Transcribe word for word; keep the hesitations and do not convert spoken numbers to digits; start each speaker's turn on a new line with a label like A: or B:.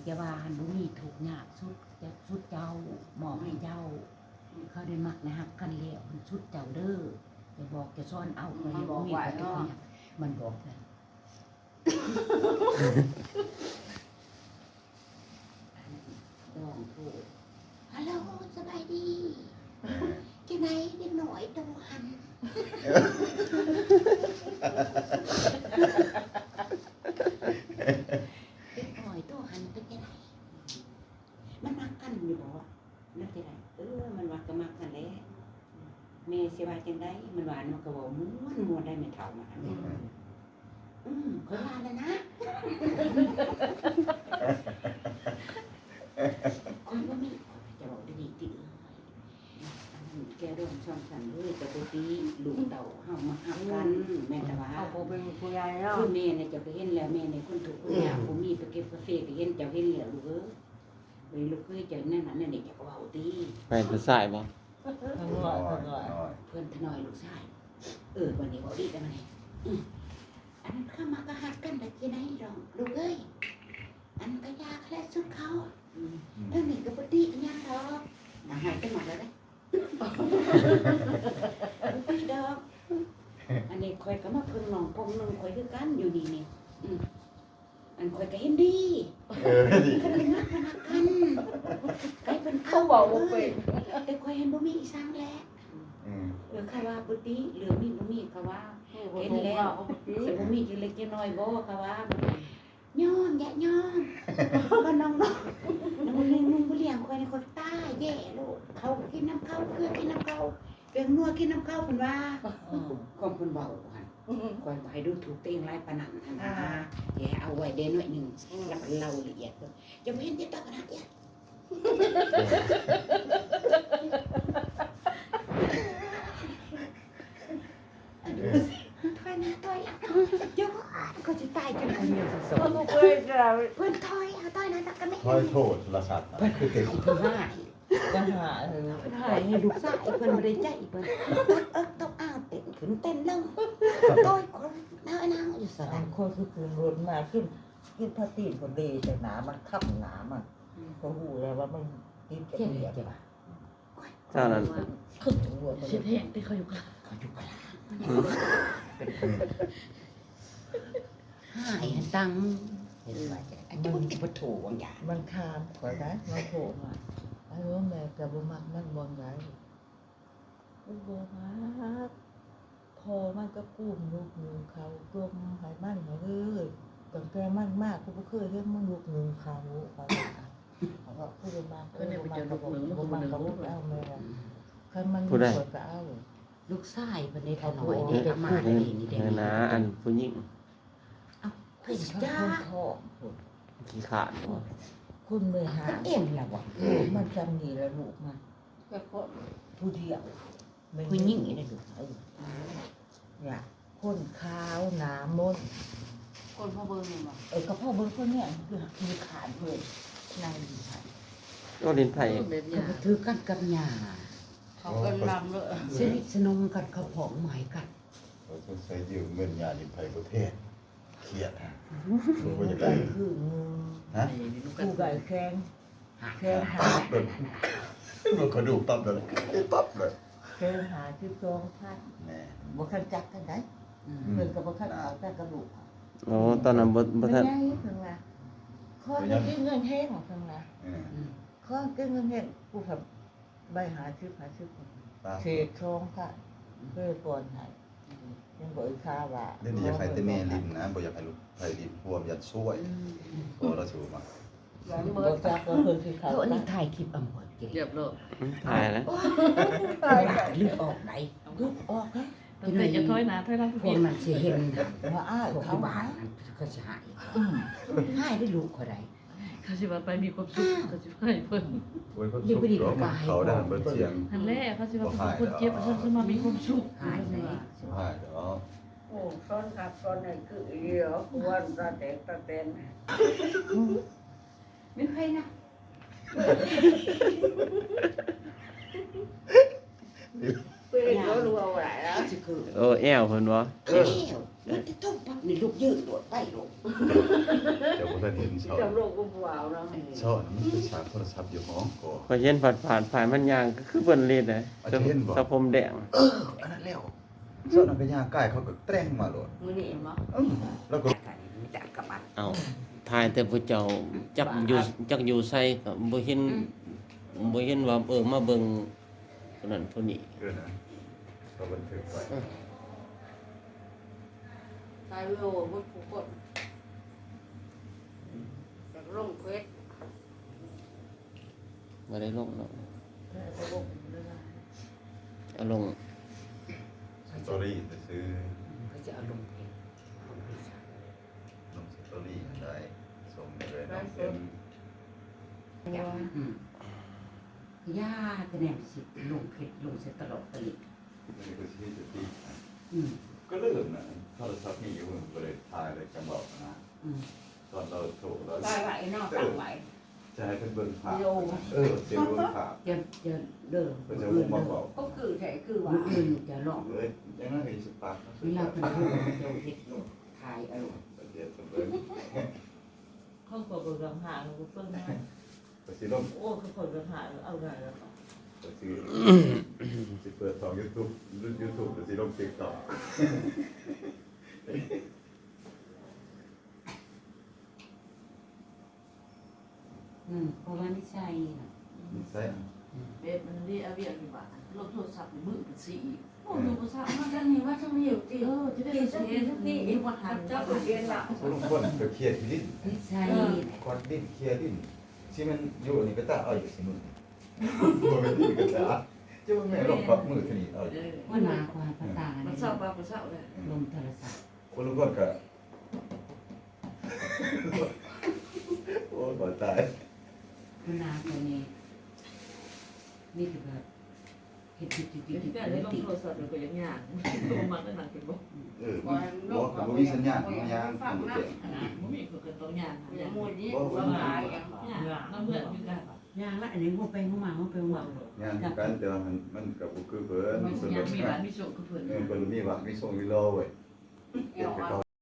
A: จะว่าหันบ่มีถูกยากสุดจะสุดเจ้าหมอบให้เจ้าเขาได้มักนะฮักกันแล้วมันสุดเจ้าเด้อจะบอกจะซ่อนเอาไปบ่มีก็ถูกยากมันบอกเลยลองโทรฮัลโหลสบายดีจังไดเด็กน้อยโตหันเด็กน้อยโตหันเป็นจังไดมันมักกันอยู่บ่นั่นจังไดเออมันว่าก็มักกันแหละแม่สิว่าจังไดมันว่ามันก็เว้าม่วนม่วนได้แม่เฒ่ามาอันนี้อืมข้อยว่าแล้วนะคนบ่มีจะบอกดีๆติเอ้ยอันนั้นแกเรื่องช่องสันเลยแต่ปกติลูกเต่าเฮามาหักกันแม่นแต่ว่า
B: เอาบ่เป็นผู้ใหญ่เนาะ
A: คือแม่เนี่ยจะไปเห็นแล้วแม่ในคนถูกข์คนยากบ่มีไปเก็บกาแฟก็เห็นเจ้าเห็นแล้วลูกเอ้ยเลยลูกเคยเจ้านั่นน่ะนั่นนี่จะก็เว้าติ
C: ไปผู้ชายบ่
B: ทั้งน้อยทั้งน้อย
A: เพิ่นทน้อยลูกชายเออวันนี้บ่ดีแต่มันนี่อืออันนั้นเข้ามาก็หักกันได้จังได๋ดอกลูกเอ้ยอันก็ยากแค่สุดเขาอืมเรื่องนี้ก็บ่ดีอิหยังดอกน่ะหายไปหมดแล้วเด้บ่ดีดอกอันนี้ข่อยก็มาเพิ่งน้องพงนึงข่อยคือกันอยู่นี่นี่อืออันข่อยก็เห็นดี
D: เออดี
A: คันเป็นนักนักกันไกเป็นเอา
B: เขาบอกบ่เป็น
A: แต่ข่อยเห็นบ่มีอีสังแล
D: อืม
A: เออค่ะว่าปกติเหลือมีบ่มีค่ะว่า
B: เห็นแล้ว
A: สิบ่มีจังเล็กจังน้อยบ่ค่ะว่าย้อนแยะย้อนบ่น้องๆน้องนึงนุ่งบ่เลี้ยงข่อยนี่ข่อยตายแย่โลดเขากินน้ำข้าวเกลือกินน้ำข้าวเปียงนัวกินน้ำข้าวเพิ่นว่าของเพิ่นเว้าหั่นข่อยบ่ให้ดูถูกตัวเองหลายปานนั้นหั่นนะอย่าเอาไว้เด้หน่อยนึงแล้วก็เล่าละเอียดเพิ่นจะบ่เห็นที่ตาขนาดเนี้ยถอยหน้าถอยหลังเจ้าก็จะตายจนคนเดียวสอง
B: เขาบ่เคยจะ
A: เพิ่นถอยเอาถอยหน้าตักกันไม่
D: คอยโทษโทรศัพท์นะคือเก่ง
A: เพิ่นหาย
B: จะหาเออ
A: เพิ่นหายให้ลูกชายเพิ่นบ่ได้ใจเพิ่นเอิกต้องอ้าวเต้นขึ้นเต้นลงโต้ยคนน้าไอ้นางอยู่ส
B: อั
A: ระ
B: นคนคือคืนรถมาขึ้นกินพาตีนคนดีแต่หนามันค่ำหนามันก็หูแล้วว่ามันกินจะ
A: เจ็บ
B: เปียก
A: เจ็บอ่ะ
C: เจ้านั้น
B: ขึ้นถึงหัวมัน
A: สิเพงที่เขาอยู่กลางเขาอยู่กลางหายตังเห็นว่าอันนี้มันบ่ถูกวางอย่าง
B: มันคามขอได้มันโผล่มาไอ้ว่าแม่กับบ่มักมันบ่ได้บ่มักพอมันก็กุ้มลูกนึงเขากลมหายมันมาเลยก่อนแกมันมากกูบ่เคยเห็นมันลูกนึงเขาเขาเขาก็พูดมาเออบ่มักก็บ่บ่มักก็บ่เอาแม่คันมันมีคนก็เอา
A: ลูกชายเพิ่นได้เขาน้อยนี่อามาได้นี่ได้
C: เออนะอันผู้หญิง
A: เพิ่น
B: จ้า
A: จ้า
B: ท้องพุ่น
C: ขี้ขาดบ่
B: คุณไม่หา
A: เพิ่นเอ็นแล้วว่ะ
B: มันจำนี่แล้วลูกมันผู้เดียว
A: ผู้หญิงนี่ได้ลูก
B: เออเนี่ยคนขาวหนามน
E: คนพ่อเบิ่งนี่บ่
B: เออกับพ่อเบิ้งคนเนี่ยคือคือขาดเพื่อนนายดีค่ะ
C: ก็เล่นไผ
E: เด็ด
A: ก็
E: ยา
A: บ่ถือกันกับหญ้า
E: เขาก็ลำเลย
A: สนิทสนมกันเขาผองหมายกัน
D: เราต้องใช้ยืมเงินยาดินไทยประเทศเครียดฮะ
B: ผู้
D: ว่าจะ
B: ใด
D: ได้
B: คืองู
D: ฮะ
B: ผู้ใดแข้ง
A: หา
B: แข้งหา
D: ตับเลยมันกระดูกตับเลยตับเลย
B: แข้งหาที่ตรงพัน
D: แน่
B: บ่คันจักกันได้
A: อืม
B: เพิ่นก็บ่คันเอาแต่กระดูก
C: อ๋อตอนนั้นบ่บ่ทัน
B: ไม่ได้เพิ่นว่าขอจะกินเงินแห้งของเพิ่นว่า
D: เออ
A: อืม
B: ขอกินเงินแห้งผู้ครับใบหาชื่อหาชื่อ
D: ตา
B: เศษทองค่ะเพื่อก่อนให้ยังบ่อีกค่าว่า
D: เรื่องนี้อยากให้แต่แม่ลิ้นนะบ่อยากให้ลูกไทยลิ้นพวมอยากช่วย
A: อืมอืม
D: พอเราสูมา
E: หลัง
B: บ่
E: เบิด
B: จักว่าเพิ่นสิเขา
A: เดี๋ยวอันนี้ถ่ายคลิปเอาหมดกิน
E: เรียบร้อย
C: ถ่ายแล้ว
A: เลือดออกไหน
B: ลุกออกนะ
E: ตั้งแต่จะถอยหน้าถอยหลัง
A: พวกนั้นสิเห็นนะ
B: ว่าอ้าย
A: พวก
B: เขา
A: ที่บ้า
B: บ้าน น
A: นั้นก็สิหาย
B: อืม
A: หายได้ลูกคนใด
E: เขาสิว่าไปมีความสุขเขาสิให้เพิ่น
D: โอ้ยเขาสุกเนาะเขาได้เบิดเสียง
E: อันแรกเขาสิว่าเป็นคนเจ็บฉันสิมามีความสุข
A: หายไหน
D: สิบห้าเดี๋ยว
F: โอ้ซ้อนขับซ้อนไหนคือเดียวกวนตาแตกตาเต้น
A: ไม่ใครนะ
D: นี่
F: เพื่อนรู้รู้เอาไหนแล้ว
A: สิคือ
C: โอ้แอวเพิ่นบ่
A: เอ้วมันจะต้องปักนี่ลูกยืนโดดไปลง
D: เดี๋ยวบ่ทันเห็นสอน
F: จำโลกกูเปล่าเนาะ
D: สอนมันไปชาร์จโทรศัพท์อยู่ห้องก่อ
C: พอเห็นผ่านผ่านผ่านมันย่างก็คือเพิ่นเล่นน่ะ
D: อาจจะเห็นบ่
C: สะพรมแดง
D: เอออันนั้นแล้วสอนเอาไปย่างใกล้เขาก็แตร่งมาโลด
F: มือนี่มั้ง
D: เออแล้วก็
A: มีแต่กระบัด
C: เอ้าทายแต่ผู้เจ้าจักอยู่จักอยู่ไสก็บ่เห็นบ่เห็นว่าเออมาเบิ่งคนนั้นคนนี้
D: เออนะก็บันทึกไว้
F: ตายวิโอมุดผู้คนจากร่มเควส
C: บ่ได้ลงเนาะ
E: แต่ก็บ่ได้ละ
C: เอาลง
D: สตอรี่จะซื้อ
A: เขาจะเอาลงเพลงลงเพลง
D: ลงสตอรี่ได้ส่งไปเลยน้องเต็ม
A: อืมย่าแต่แนมสิลงเพชรลงเสร็จตลอดตลิด
D: นี่ก็ชื่อจะตี
A: อืม
D: ก็เริ่มนะโทรศัพท์มีอยู่มันก็เลยถ่ายเลยจังบอกนะ
A: อืม
D: ตอนเราโทรแล้ว
F: ตายไหวนอกต่างไหว
D: จะให้เป็นเบิ่งภาพเออเสียงเบิ่งภาพ
A: จะจะเดิม
D: ก็จะมุ่งมาบอก
F: ก็คือใช่คือว่า
A: มืออื่นจะลอง
D: เลยยังนั่งเห็นสปาร์ค
A: เวลาเป็นผู้เจ้าเฮ็ดถ่ายอารมณ์
D: เดี๋ยวจะเบิ่ง
E: เขาก็บ่รังหาเขาเพิ่นมา
D: ไปสิลม
E: โอ้เขาเพิ่นรังหาเอาได้แล้ว
D: ไปสิสิเปิดสอง YouTube รุ่น YouTube ไปสิลม TikTok
A: อืมเพราะว่านิสัยน่ะ
D: นี่ใช่
E: เบ็ดมันดีเอาเวียกี่บาทลบโทรศัพท์มือเป็นสีโอ้ดูภาษามาจังนี่ว่าจังนี่อยู่ติเออจะได้เสียทุกนี่อีกวันหัน
F: เจ้า
E: เจ้า
F: เรียนละ
D: ผู้ลงคนก็เครียดที่ลิ้น
A: นิสัย
D: ควัดลิ้นเครียดลิ้นที่มันอยู่นี่ก็ตาเอาอยู่สิมึงบ่เป็นที่ก็ตาจะว่าแม่ลองควักมือทีนี้เอาอยู่
A: ว่านาความภาษา
E: มั
A: เนี่
E: นเศร้าบ้ามันเศร้าเลย
A: ลงโทรศัพท์
D: คนลงคนก็โอ้ยบ่ตาย
A: ว่านาคนนี้นี่คือแบบเฮ็ดติดติดติ
E: เดี๋ยว
A: ดติ
E: ที่
A: ด
E: แม่ได้ลง
A: ติด
E: โทรศัพท์มันก็ยังยากตัวมันนั่นน่ะคือบ่
D: เออบ่บ่มีสัญญาณบ่ยางบ่แจ้ง
E: บ่มีคนกันต้องยากหาาก
F: อยย่างมูนี้
D: บ่บ่
F: ว่า
D: มี
F: ตาย
E: ยากน้ำเมื่อนคือกัน
A: ย่างละอันนี้หัวไปหัวมาหัวไปหัวมา
D: งานกันแต่ว่ามันมันก็บ่คือเพิ่น
E: มัน
D: เพิ่น
E: ยังมี
D: ก็
E: ร้านมีโชคคือเพิ่น
D: เออเพิ่นมีว่ามีส่งมีรอเว้ย
F: เกี่ยวกับ